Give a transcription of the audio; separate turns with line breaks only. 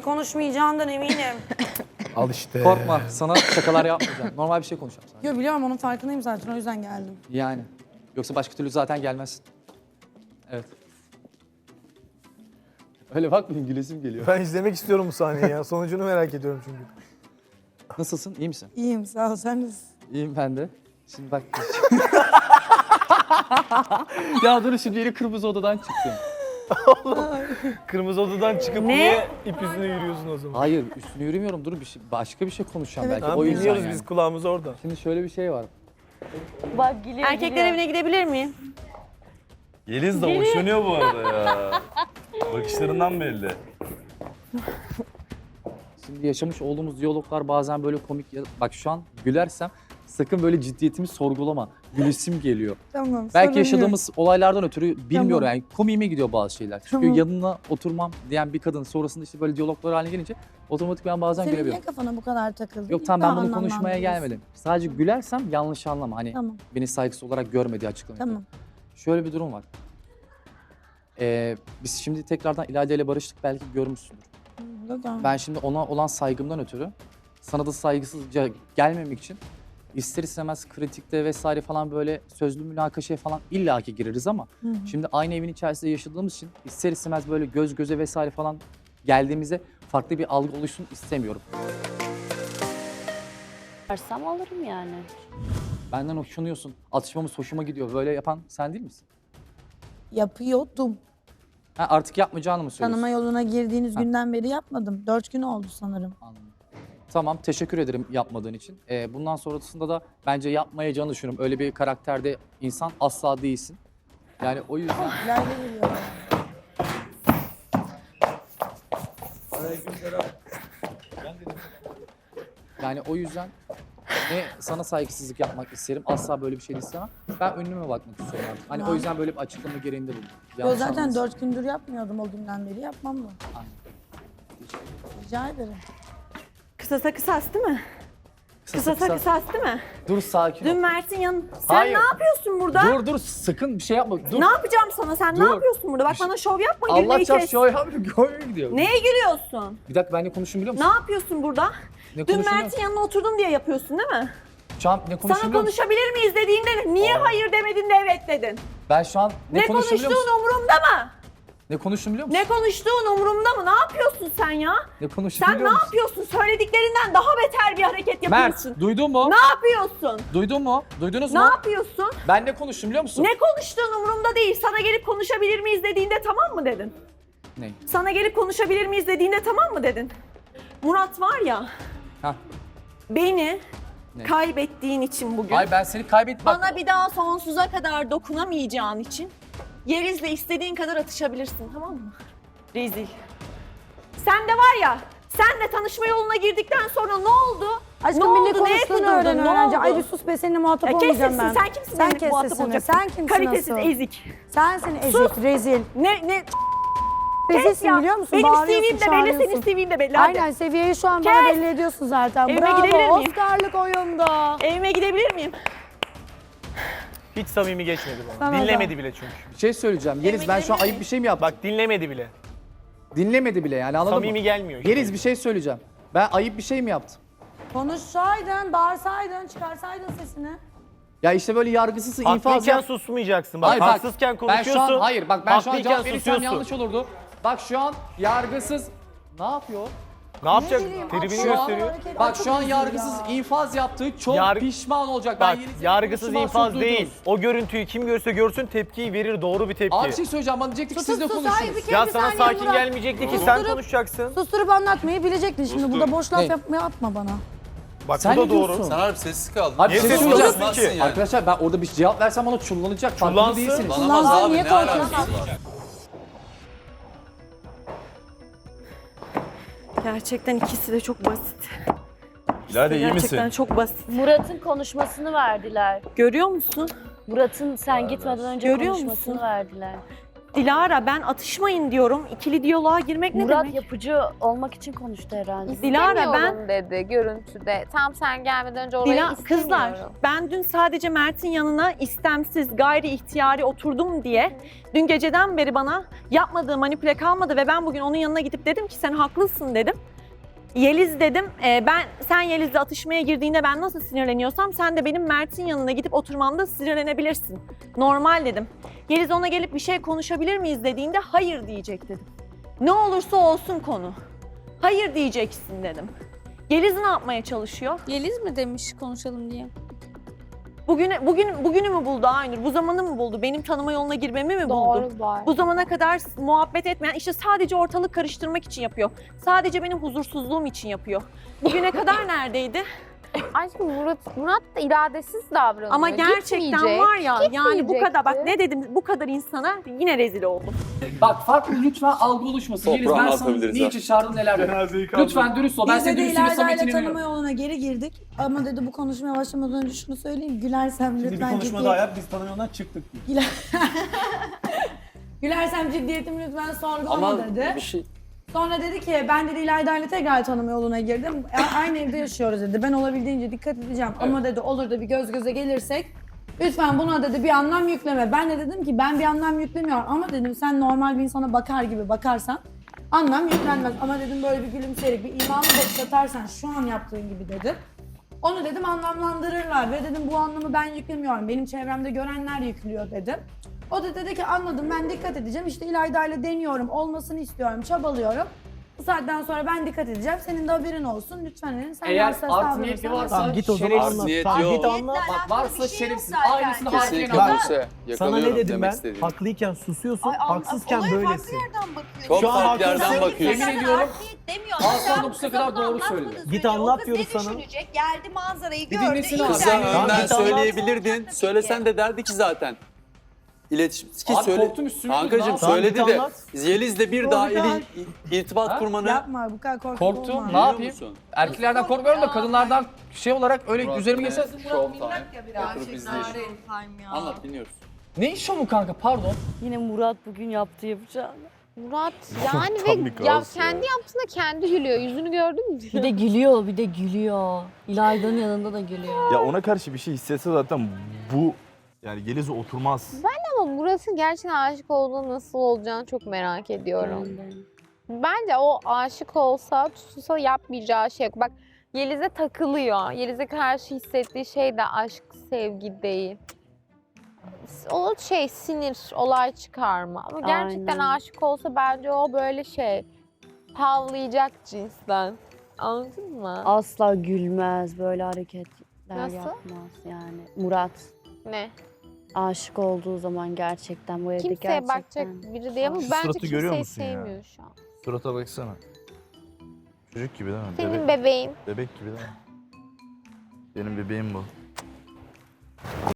konuşmayacağından eminim.
Al işte.
Korkma, sana şakalar yapmayacağım. Normal bir şey konuşacağım sana.
Yo biliyorum onun farkındayım zaten o yüzden geldim.
Yani. Yoksa başka türlü zaten gelmezsin. Evet. Öyle bakmayın, gülesim geliyor.
Ben izlemek istiyorum bu sahneyi ya. Sonucunu merak ediyorum çünkü.
Nasılsın, iyi misin?
İyiyim sağ ol sen nasılsın?
İyiyim ben de. Şimdi bak. Ya dur şimdi yeni kırmızı odadan çıktım.
Kırmızı odadan çıkıp
Ne?
niye ip yüzüne yürüyorsun o zaman?
Hayır, üstüne yürümüyorum. Dur başka bir şey konuşacağım belki.
Tamam,
O yüzden
dinliyoruz
yani.
biz kulağımız orada.
Şimdi şöyle bir şey var.
Bak geliyor.
Erkekler evine gidebilir miyim?
Yeliz de hoşlanıyor bu arada ya. Bakışlarından belli.
Şimdi yaşamış olduğumuz diyaloglar bazen böyle komik. Bak şu an gülersem sakın böyle ciddiyetimi sorgulama. Gülesim geliyor.
Tamam.
Belki yaşadığımız olaylardan ötürü bilmiyorum
Tamam.
yani komiğime gidiyor bazı şeyler. Çünkü
Tamam.
yanına oturmam diyen bir kadın sonrasında işte böyle diyaloglar haline gelince otomatik ben bazen
Senin niye
gülebiliyorum.
kafana bu kadar takıldı?
Yok tamam ben bunu konuşmaya gelmedim. Sadece gülersem yanlış anlama. Hani
Tamam
beni saygısız olarak görmediği açıklamayı.
tamam.
Şöyle bir durum var. Biz şimdi tekrardan İlayda ile barıştık belki görmüşsündür. Ben şimdi ona olan saygımdan ötürü sana da saygısızca gelmemek için ister istemez kritikte vesaire falan böyle sözlü münakaşaya falan illaki gireriz ama şimdi aynı evin içerisinde yaşadığımız için ister istemez böyle göz göze vesaire falan geldiğimizde farklı bir algı oluşsun istemiyorum.
Varsam alırım yani.
Benden hoşlanıyorsun, atışmamız hoşuma gidiyor. Böyle yapan sen değil misin?
Yapıyordum.
Ha, artık yapmayacağını mı söylüyorsun?
Tanıma yoluna girdiğiniz
Ha.
günden beri yapmadım. 4 gün oldu sanırım.
Anladım. Tamam, teşekkür ederim yapmadığın için. Bundan sonrasında da bence yapmayacağını düşünüyorum. Öyle bir karakterde insan asla değilsin. Yani o yüzden...
İleride geliyor.
Yani o yüzden ne sana saygısızlık yapmak isterim, asla böyle bir şey de istemem. Ben önüme bakmak istiyorum artık. Hani o yüzden böyle bir açıklama gereğinde bulundum.
Yo
Yanlış
zaten
anlamasın.
4 gündür yapmıyordum o günden beri yapmam da.
Aynen.
Rica ederim.
Kısasa kısas değil mi?
Kısasa
Kısasa kısas değil mi?
Dur sakin ol.
Dün Mert'in Sen
Hayır.
ne yapıyorsun burada?
Dur sakın bir şey yapma. Dur.
Ne yapacağım sana? Sen
Dur.
ne yapıyorsun burada? Bak
Bir şey-
bana şov yapma,
Allah
gülmeyi
çarp
kes.
şu an gidiyor.
Neye gülüyorsun?
Bir dakika ben ne konuşayım biliyor
Ne
musun?
yapıyorsun burada?
Ne
Dün
konuşayım
Mert'in yanına oturdum diye yapıyorsun değil mi?
Şu an ne konuşayım
Sana
biliyor musun?
konuşabilir miyiz dediğinde niye hayır demedin de evet dedin?
Ben şu an
Ne
konuşayım biliyor musun?
konuştuğun umurumda mı?
Ne konuştum biliyor musun?
Ne konuştuğun umurumda mı? Ne yapıyorsun sen ya?
Ne konuştum
Sen ne
biliyor musun?
yapıyorsun? Söylediklerinden daha beter bir hareket yapıyorsun.
Mert duydun mu?
Ne yapıyorsun?
Duydun mu? Duydunuz
Ne
mu?
yapıyorsun?
Ben ne konuştum biliyor musun?
Ne konuştuğun umurumda değil. Sana gelip konuşabilir miyiz dediğinde tamam mı dedin?
Ne?
Sana gelip konuşabilir miyiz dediğinde tamam mı dedin? Murat var ya,
Hah.
beni
Ne?
kaybettiğin için bugün,
Ay ben seni kaybettim.
bana bir daha sonsuza kadar dokunamayacağın için Yeriz'le istediğin kadar atışabilirsin, tamam mı? Rezil. Sen de var ya, senle tanışma yoluna girdikten sonra ne oldu?
Aşkım
ne
bir ne
oldu? Neye
konuştuğunu
kudurdun?
öğren
Ne
öğrenci.
oldu?
Ay bir sus be seninle muhatap
Ya kes
olmayacağım
sesini,
ben.
sen kimsin
Sen
benimle
kes
muhatap
sesini.
olacaksın?
Sen kimsin
Kalitesiz,
asıl?
ezik.
Sensin ezik, rezil.
Ne?
Rezilsin
ya.
biliyor musun?
Benim
Bağırıyorsun,
CV'm de belli, senin
çağırıyorsun.
CV'm de belli. Hadi.
Aynen seviyeyi şu an bana
Kes.
belli ediyorsun zaten.
Evime gidebilir
Bravo.
miyim?
Oscar'lık oyunda.
Evime gidebilir miyim?
Hiç samimi geçmedi bana.
Sana da.
Dinlemedi bile çünkü.
Bir şey söyleyeceğim. Yeliz ben şu an ayıp bir şey mi yaptım?
Bak dinlemedi bile.
Dinlemedi bile yani anladın
Samimi
mı?
gelmiyor işte.
Yeliz bir şey söyleyeceğim. Ben ayıp bir şey mi yaptım?
Konuşsaydın, bağırsaydın, çıkarsaydın sesini.
Ya işte böyle yargısız infaz
Haklıyken
yap.
susmayacaksın. Bak
Hayır,
haksızken
ben
konuşuyorsun.
şu an hayır bak ben şu an
haklıyken
cevap verirsem
susuyorsun.
yanlış olurdu. Bak şu an yargısız ne yapıyor?
Ne yapacak?
bileyim,
Tribini
aklıma
gösteriyor.
hareket-
Bak
çok
şu an
üzücü
yargısız
ya.
infaz yaptığı çok
Yar-
pişman olacak.
Bak
Yeliz'in
yargısız
konuşmasını
infaz
çok
değil.
duydunuz.
O görüntüyü kim görse görsün tepkiyi verir. Doğru bir tepki.
Abi bir şey söyleyeceğim bana diyecektik siz de
Sus, hayır,
konuşun.
bir kere
Ya
bir
sana
saniye
sakin
Murat.
gelmeyecekti ki sen
Susturup-
konuşacaksın.
Susturup anlatmayı bilecektin şimdi. Burada boş laf
Ne?
yapma bana.
Bak
Sen
bu da
ne
doğru.
diyorsun?
Sen harbi sessiz kaldın.
Abi
Niye
bir şey
sessiz
söyleyeceğim.
kalıyorsun ki?
Yani.
Arkadaşlar ben orada bir cevap versem bana çullanacak. Farkında
Çullansın.
değilsiniz.
Lanamaz
Kullansan
abi
niye
ne
korkuyorsun?
alakası var?
Gerçekten ikisi de çok basit.
İlayda iyi
Gerçekten
misin?
çok basit.
Murat'ın konuşmasını verdiler.
Görüyor musun?
Murat'ın sen gitmeden önce
Görüyor
konuşmasını
musun?
verdiler.
Dilara ben atışmayın diyorum. İkili diyaloğa girmek ne
Murat
demek?
yapıcı olmak için konuştu herhalde.
Dilara, ben-
İstemiyorum dedi görüntüde. Tam sen gelmeden önce orayı istemiyorum.
Kızlar ben dün sadece Mert'in yanına istemsiz gayri ihtiyari oturdum diye dün geceden beri bana yapmadığı manipüle kalmadı ve ben bugün onun yanına gidip dedim ki sen haklısın dedim. Yeliz dedim, sen Yeliz'le atışmaya girdiğinde ben nasıl sinirleniyorsam sen de benim Mert'in yanına gidip oturmamda sinirlenebilirsin. Normal dedim. Yeliz ona gelip bir şey konuşabilir miyiz dediğinde hayır diyecek dedim. Ne olursa olsun konu. Hayır diyeceksin dedim. Yeliz ne yapmaya çalışıyor?
Yeliz mi demiş konuşalım diye?
Bugünü mü buldu Aynur? Bu zamanı mı buldu? Benim tanıma yoluna girmemi mi buldu?
Doğru var.
Bu zamana kadar muhabbet etmeyen, işte sadece ortalık karıştırmak için yapıyor. Sadece benim huzursuzluğum için yapıyor. Bugüne kadar neredeydi?
Aşkım Murat da iradesiz davranıyor.
Ama gerçekten
Gitmeyecek.
var ya, yani bu kadar, bak
Gitmeyecekti.
ne dedim, bu kadar insana yine rezil oldum.
Bak farklı lütfen algı oluşmasın. Yeliz ben sana niçin çağırdım neler dedim. Lütfen dürüst ol. Ben
Biz de
senin dürüstlüğüne
İlayda ile
samimiyetine
tanıma
inanıyorum.
yoluna geri girdik. Ama dedi bu konuşmaya başlamadan önce şunu söyleyeyim. Gülersem
Şimdi bir
lütfen
konuşma daha yap, biz tanım yolundan çıktık.
Gülersem ciddiyetimi lütfen sorgulama
Ama
dedi.
bir şey...
Sonra dedi ki ben dedi İlayda ile tekrar tanıma yoluna girdim. Aynı evde yaşıyoruz dedi. Ben olabildiğince dikkat edeceğim. Ama dedi olur da bir göz göze gelirsek lütfen buna dedi bir anlam yükleme. Ben de dedim ki ben bir anlam yüklemiyorum. Ama dedim sen normal bir insana bakar gibi bakarsan anlam yüklenmez. Ama dedim böyle bir gülümseyerek bir imanlı bakış atarsan şu an yaptığın gibi dedim. Onu dedim anlamlandırırlar ve dedim bu anlamı ben yüklemiyorum. Benim çevremde görenler yüklüyor dedim. O da dedi ki anladım ben dikkat edeceğim. İşte İlayda ile deniyorum, olmasını istiyorum, çabalıyorum. Bu saatten sonra ben dikkat edeceğim. Senin de haberin olsun. Lütfen dedim. Sen
Eğer
varsa
art niyeti
davranırsan
varsa
Tamam git o zaman
şerefsiz.
anlat.
Niyet
Tamam
yok.
git anlat.
Bak varsa şerefsiz. Aynısını
Kesinlikle
harfiyen al.
olursa
Sana
yakalıyorum
ne dedim
demek
ben?
istediğim.
Haklıyken susuyorsun, haksızken böylesin.
Çok
Şu an
farklı yerden
haklısın.
bakıyorsun.
Yemin ediyorum Aslan 9'a kadar doğru söyledi.
Git anlat diyoruz sana.
Geldi manzarayı
Bir
gördü.
dinlesin abi.
Kıza
Tamam,
önden
git anlat.
söyleyebilirdin. Söylesen de derdi ki zaten. İletişim. Ki
Abi
söyle.
korktum üstüme.
Kankacığım
Tamam,
söyledi
git
de
anlat.
Yeliz'le bir daha irtibat
Ha?
kurmanı
yapma bu kadar korkak
Korktum.
olma.
Ne
biliyor
yapayım?
musun?
Erkeklerden korkmuyorum da kadınlardan şey olarak öyle üzerime geçse...
Show time. Oturup izleyelim. Anlat dinliyoruz.
Ne iş o mu kanka pardon?
Yine Murat bugün yaptı yapacağını.
Murat yani ve ya kendi yaptığında kendi gülüyor. Yüzünü gördün mü?
Bir de gülüyor, bir de gülüyor. İlayda'nın yanında da gülüyor.
Ya ona karşı bir şey hissetse zaten bu yani Yeliz'e oturmaz.
Ama Murat'ın gerçekten aşık olduğu nasıl olacağını çok merak ediyorum. Bence o aşık olsa, tutulsa yapmayacağı şey yok. Bak Yeliz'e takılıyor. Yeliz'e karşı hissettiği şey de aşk, sevgi değil. O şey sinir, olay çıkarma. Ama gerçekten
Aynen.
aşık olsa bence o böyle şey havlayacak cinsten. Anladın mı?
Asla gülmez, böyle hareketler
Nasıl?
yapmaz yani. Murat
Ne?
aşık olduğu zaman gerçekten bu evde
Kimseye
gerçekten.
bakacak biri değil ama
Şu
bence
suratı görüyor
kimseyi
musun ya?
sevmiyor şu an.
Surata baksana. Çocuk gibi değil mi?
Senin bebeğin.
Bebek gibi değil mi? Benim bebeğim bu.